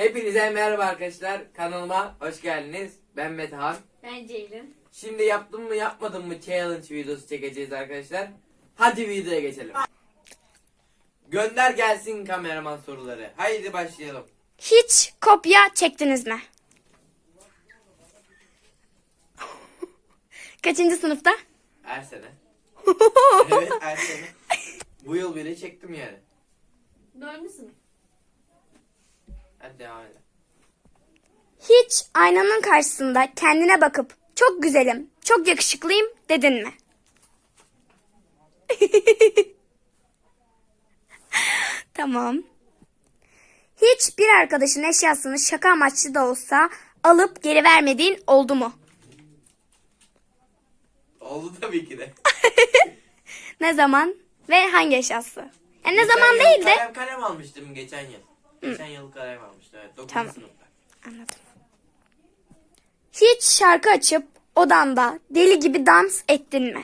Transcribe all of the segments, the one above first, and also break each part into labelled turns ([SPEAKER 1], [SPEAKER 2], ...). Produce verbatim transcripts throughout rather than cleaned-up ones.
[SPEAKER 1] Hepinize merhaba arkadaşlar. Kanalıma hoş geldiniz. Ben Metehan.
[SPEAKER 2] Ben Ceylin.
[SPEAKER 1] Şimdi yaptım mı yapmadım mı challenge videosu çekeceğiz arkadaşlar. Hadi videoya geçelim. Gönder gelsin kameraman soruları. Haydi başlayalım.
[SPEAKER 3] Hiç kopya çektiniz mi? Kaçıncı sınıfta?
[SPEAKER 1] Her sene. Evet, her sene. Bu yıl bile çektim yani.
[SPEAKER 2] Dördüncü sınıf.
[SPEAKER 1] Hadi devam edelim.
[SPEAKER 3] Hiç aynanın karşısında kendine bakıp çok güzelim, çok yakışıklıyım dedin mi? Tamam. Hiç bir arkadaşın eşyasını şaka amaçlı da olsa alıp geri vermediğin oldu mu?
[SPEAKER 1] Oldu tabii ki de.
[SPEAKER 3] Ne zaman ve hangi eşyası? Yani ne
[SPEAKER 1] Geçen
[SPEAKER 3] zaman
[SPEAKER 1] yıl
[SPEAKER 3] değil de...
[SPEAKER 1] Kalem kalem almıştım geçen yıl. Geçen yıl kalem almıştım. Evet, dokuzuncu
[SPEAKER 3] Tamam.
[SPEAKER 1] sınıfta.
[SPEAKER 3] Anladım. Hiç şarkı açıp odanda deli gibi dans ettin mi?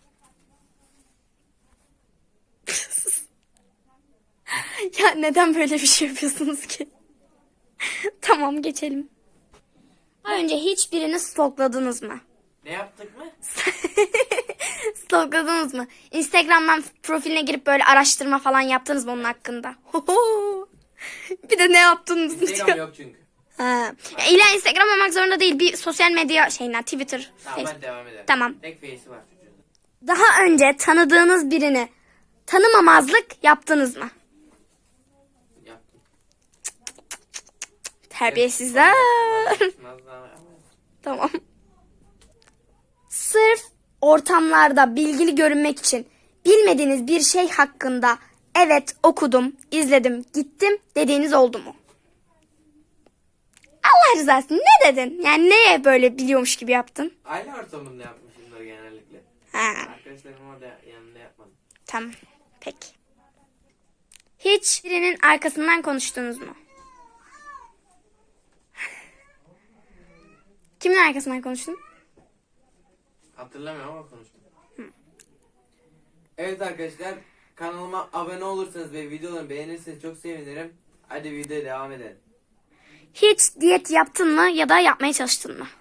[SPEAKER 3] Ya neden böyle bir şey yapıyorsunuz ki? Tamam, geçelim. Daha önce hiçbirini stalkladınız mı?
[SPEAKER 1] Ne yaptık mı?
[SPEAKER 3] Stalkladınız mı? Instagram'dan profiline girip böyle araştırma falan yaptınız mı onun hakkında? Bir de ne yaptınız
[SPEAKER 1] Instagram
[SPEAKER 3] diyor.
[SPEAKER 1] yok çünkü.
[SPEAKER 3] Ha. Ya illa Instagram olmak zorunda değil. Bir sosyal medya şeyinden, Twitter,
[SPEAKER 1] Tamam,
[SPEAKER 3] Facebook.
[SPEAKER 1] hadi devam edelim.
[SPEAKER 3] Tamam.
[SPEAKER 1] Tek face'i var çocuğun.
[SPEAKER 3] Daha önce tanıdığınız birini tanımamazlık yaptınız mı?
[SPEAKER 1] Yaptım.
[SPEAKER 3] Terbiyesizler.
[SPEAKER 1] Nazlı-
[SPEAKER 3] Tamam. Sırf ortamlarda bilgili görünmek için bilmediğiniz bir şey hakkında evet okudum, izledim, gittim dediğiniz oldu mu? Allah rızası için ne dedin? Yani neye böyle biliyormuş gibi yaptın?
[SPEAKER 1] Aile ortamında yapmışımdır genellikle.
[SPEAKER 3] Ha,
[SPEAKER 1] Arkadaşlarım orada yanında yapmadım.
[SPEAKER 3] tamam. Peki. Hiç birinin arkasından konuştunuz mu? Kimin arkasından konuştun?
[SPEAKER 1] Hatırlamıyorum ama konuştum. Evet arkadaşlar, kanalıma abone olursanız ve videolarımı beğenirseniz çok sevinirim. Hadi videoya devam edelim.
[SPEAKER 3] Hiç diyet yaptın mı ya da yapmaya çalıştın mı?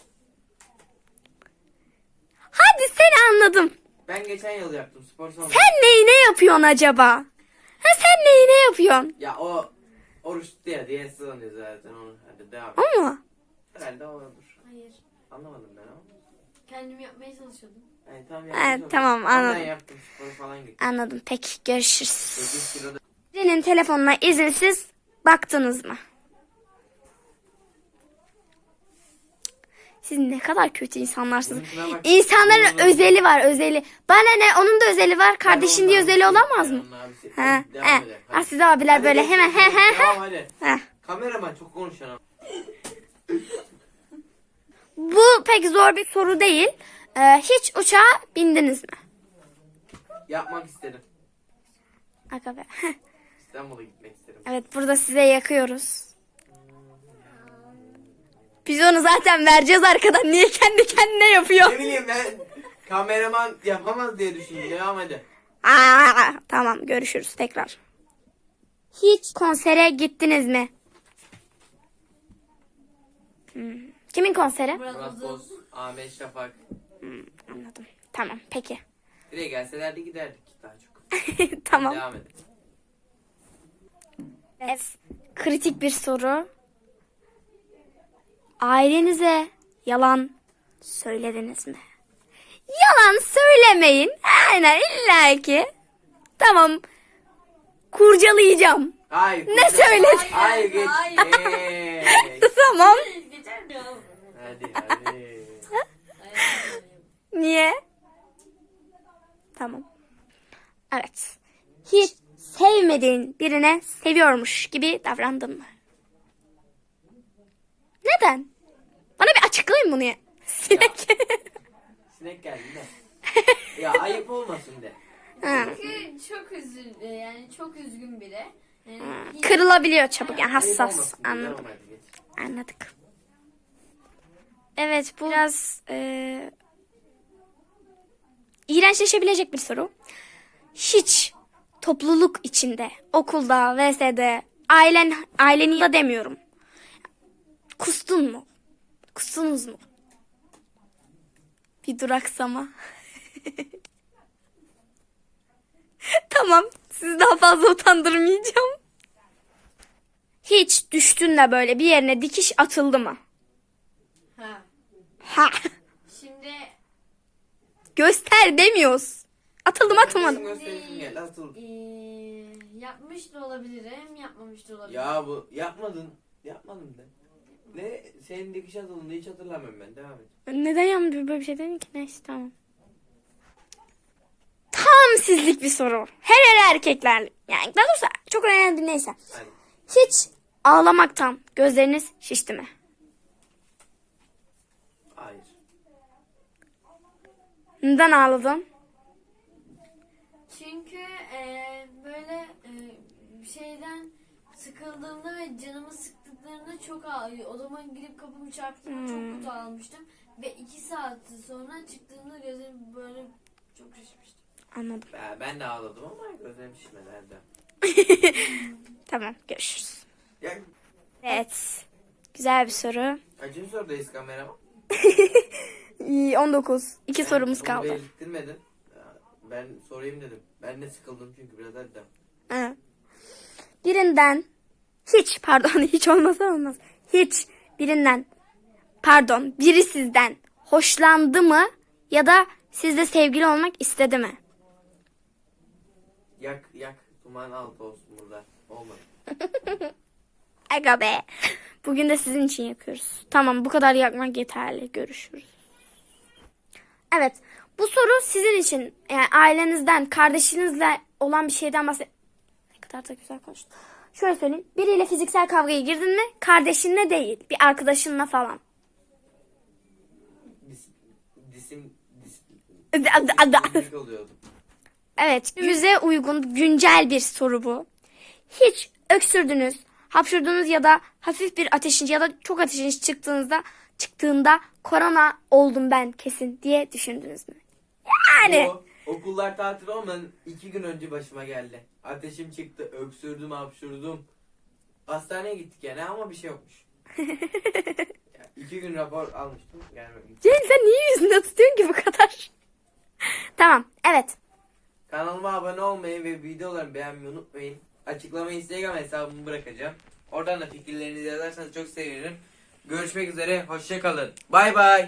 [SPEAKER 3] Hadi seni anladım.
[SPEAKER 1] Ben geçen yıl yaptım spor salonu.
[SPEAKER 3] Sen neyine yapıyorsun acaba? Ha, sen neyine yapıyorsun?
[SPEAKER 1] Ya o oruç tuttu ya diye sığınıyor zaten onu. Hadi devam et.
[SPEAKER 3] O mu?
[SPEAKER 1] Herhalde o olur.
[SPEAKER 2] Hayır.
[SPEAKER 1] Anlamadım ben ama.
[SPEAKER 2] Kendim yapmaya çalışıyordum.
[SPEAKER 1] Yani tam
[SPEAKER 3] Evet,
[SPEAKER 1] yaptım.
[SPEAKER 3] tamam, anladım.
[SPEAKER 1] Ben yaptım spor falan gittim.
[SPEAKER 3] Anladım. Peki, görüşürüz.
[SPEAKER 1] sekiz kiloda.
[SPEAKER 3] Birinin telefonuna izinsiz baktınız mı? Siz ne kadar kötü insanlarsınız.
[SPEAKER 1] Bizimkine bak.
[SPEAKER 3] İnsanların
[SPEAKER 1] Bunun da-
[SPEAKER 3] özeli var, özeli. Bana ne, onun da özeli var. Kardeşin
[SPEAKER 1] Ben
[SPEAKER 3] diye
[SPEAKER 1] onun
[SPEAKER 3] özeli
[SPEAKER 1] abisi,
[SPEAKER 3] olamaz
[SPEAKER 1] ben
[SPEAKER 3] mı?
[SPEAKER 1] onun abisi.
[SPEAKER 3] Ha,
[SPEAKER 1] Hadi devam
[SPEAKER 3] he.
[SPEAKER 1] edelim.
[SPEAKER 3] Ah,
[SPEAKER 1] Hadi.
[SPEAKER 3] siz abiler
[SPEAKER 1] Hadi
[SPEAKER 3] böyle
[SPEAKER 1] geç,
[SPEAKER 3] hemen
[SPEAKER 1] geç,
[SPEAKER 3] he
[SPEAKER 1] geç.
[SPEAKER 3] he he.
[SPEAKER 1] Devam hadi.
[SPEAKER 3] Heh.
[SPEAKER 1] Kameraman çok konuşan ama.
[SPEAKER 3] Bu pek zor bir soru değil. Ee, hiç uçağa bindiniz mi?
[SPEAKER 1] Yapmak istedim.
[SPEAKER 3] Aga be.
[SPEAKER 1] İstanbul'a gitmek istedim.
[SPEAKER 3] Evet, burada size yakıyoruz. Biz onu zaten vereceğiz arkadan. Niye kendi kendine yapıyor?
[SPEAKER 1] Ne bileyim ben, kameraman yapamaz diye düşündüm. Devam hadi.
[SPEAKER 3] Aa, tamam, görüşürüz tekrar. Hiç konsere gittiniz mi? Hmm. Kimin konseri?
[SPEAKER 2] Murat
[SPEAKER 1] Murat
[SPEAKER 2] Boz.
[SPEAKER 1] Boz, Ahmet Şafak.
[SPEAKER 3] Hmm, anladım. Tamam, peki.
[SPEAKER 1] Buraya gelselerdi giderdik daha çok.
[SPEAKER 3] Tamam.
[SPEAKER 1] Devam edelim.
[SPEAKER 3] Evet. Kritik bir soru. Ailenize yalan söylediniz mi? Yalan söylemeyin. Aynen, illa ki. Tamam. Kurcalayacağım.
[SPEAKER 1] Hayır.
[SPEAKER 3] Ne
[SPEAKER 1] kızım.
[SPEAKER 3] söyledin?
[SPEAKER 1] Hayır geç.
[SPEAKER 2] Hayır.
[SPEAKER 1] Geç.
[SPEAKER 3] Tamam.
[SPEAKER 2] Geçer mi?
[SPEAKER 1] Hadi hadi.
[SPEAKER 3] Niye? Tamam. Evet. Hiç sevmediğin birine seviyormuş gibi davrandın mı? Neden? Bana bir açıklayın bunu ya. Sinek.
[SPEAKER 1] Sinek geldi de. Ya ayıp olmasın de.
[SPEAKER 3] Ha.
[SPEAKER 2] Çünkü çok üzül, yani çok üzgün biri. Yani hiç-
[SPEAKER 3] Kırılabiliyor çabuk, yani
[SPEAKER 1] Ayıp
[SPEAKER 3] hassas.
[SPEAKER 1] olmasın de.
[SPEAKER 3] Anladım.
[SPEAKER 1] Devam hadi geç.
[SPEAKER 3] Anladık. Evet, bu biraz e, iğrençleşebilecek bir soru. Hiç topluluk içinde, okulda, ve s'de, ailen, aileni de demiyorum. Kustun mu? Kustunuz mu? Bir duraksama. Tamam. Sizi daha fazla utandırmayacağım. Hiç düştün de böyle bir yerine dikiş atıldı mı?
[SPEAKER 2] Ha.
[SPEAKER 3] Ha.
[SPEAKER 2] Şimdi
[SPEAKER 3] Göster demiyoruz. Atıldım atılmadım.
[SPEAKER 1] Gösteresim geldi, atıl.
[SPEAKER 2] ee, yapmış da olabilirim, yapmamış da olabilirim.
[SPEAKER 1] Ya bu yapmadın. Yapmadım de. Ne senin dikiş atıldığında hiç hatırlamıyorum ben. Devam et.
[SPEAKER 3] Neden yapmıyorum böyle bir şey dedin ki? Neyse tamam. Tam sizlik bir soru. Her her erkekler. Yani daha doğrusu çok önemli değil, neyse.
[SPEAKER 1] Hadi.
[SPEAKER 3] Hiç ağlamaktan gözleriniz şişti mi?
[SPEAKER 1] Hayır.
[SPEAKER 3] Neden ağladın?
[SPEAKER 2] Çünkü ee, böyle ee, şeyden sıkıldığımda ve canımı sıktıklarında çok ağlıyor. Odama girip kapımı çarptığımda çok kötü ağlamıştım. Ve iki saat sonra çıktığımda gözlerim böyle çok şişmişti.
[SPEAKER 3] Anladım.
[SPEAKER 1] Ben, ben de ağladım ama gözlerim şişmedi Erdem.
[SPEAKER 3] Tamam, görüşürüz.
[SPEAKER 1] Ya
[SPEAKER 3] Evet. Güzel bir soru.
[SPEAKER 1] kaçıncı sorudayız kameraman?
[SPEAKER 3] İyi, on dokuz. İki
[SPEAKER 1] Ben
[SPEAKER 3] sorumuz
[SPEAKER 1] bunu
[SPEAKER 3] kaldı.
[SPEAKER 1] belirttirmedin. Ya, Ben sorayım dedim. Ben de sıkıldım çünkü biraz Erdem.
[SPEAKER 3] Ha. Birinden hiç pardon hiç olmasa olmaz. Hiç birinden pardon biri sizden hoşlandı mı ya da sizle sevgili olmak istedi mi?
[SPEAKER 1] Yak yak. Duman altı olsun burada. Olmadı.
[SPEAKER 3] Aga be. Bugün de sizin için yakıyoruz. Tamam, bu kadar yakmak yeterli. Görüşürüz. Evet. Bu soru sizin için. Yani ailenizden, kardeşinizle olan bir şeyden bahset. Ne kadar da güzel konuştun. Şöyle söyleyeyim. Biriyle fiziksel kavgaya girdin mi? Kardeşinle değil. Bir arkadaşınla falan.
[SPEAKER 1] Dis, disim dis,
[SPEAKER 3] Ada- ada.
[SPEAKER 1] disiplinlik oluyordu.
[SPEAKER 3] Evet. Yüze uygun, güncel bir soru bu. Hiç öksürdünüz, hapşurdunuz ya da hafif bir ateşiniz ya da çok ateşiniz çıktığınızda çıktığında korona oldum ben kesin diye düşündünüz mü? Yani.
[SPEAKER 1] Bu okullar tatil olmadan iki gün önce başıma geldi. Ateşim çıktı, öksürdüm, hapşurdum. Hastaneye gittik yani ama bir şey yokmuş. Ya, iki gün rapor almıştım. Yani
[SPEAKER 3] Cenk, sen niye yüzünde tutuyorsun ki bu kadar? Tamam, evet.
[SPEAKER 1] kanalıma abone olmayı ve videolarımı beğenmeyi unutmayın. Açıklamayı Instagram hesabımı bırakacağım. Oradan da fikirlerinizi yazarsanız çok sevinirim. Görüşmek üzere, hoşça kalın. Bay bay.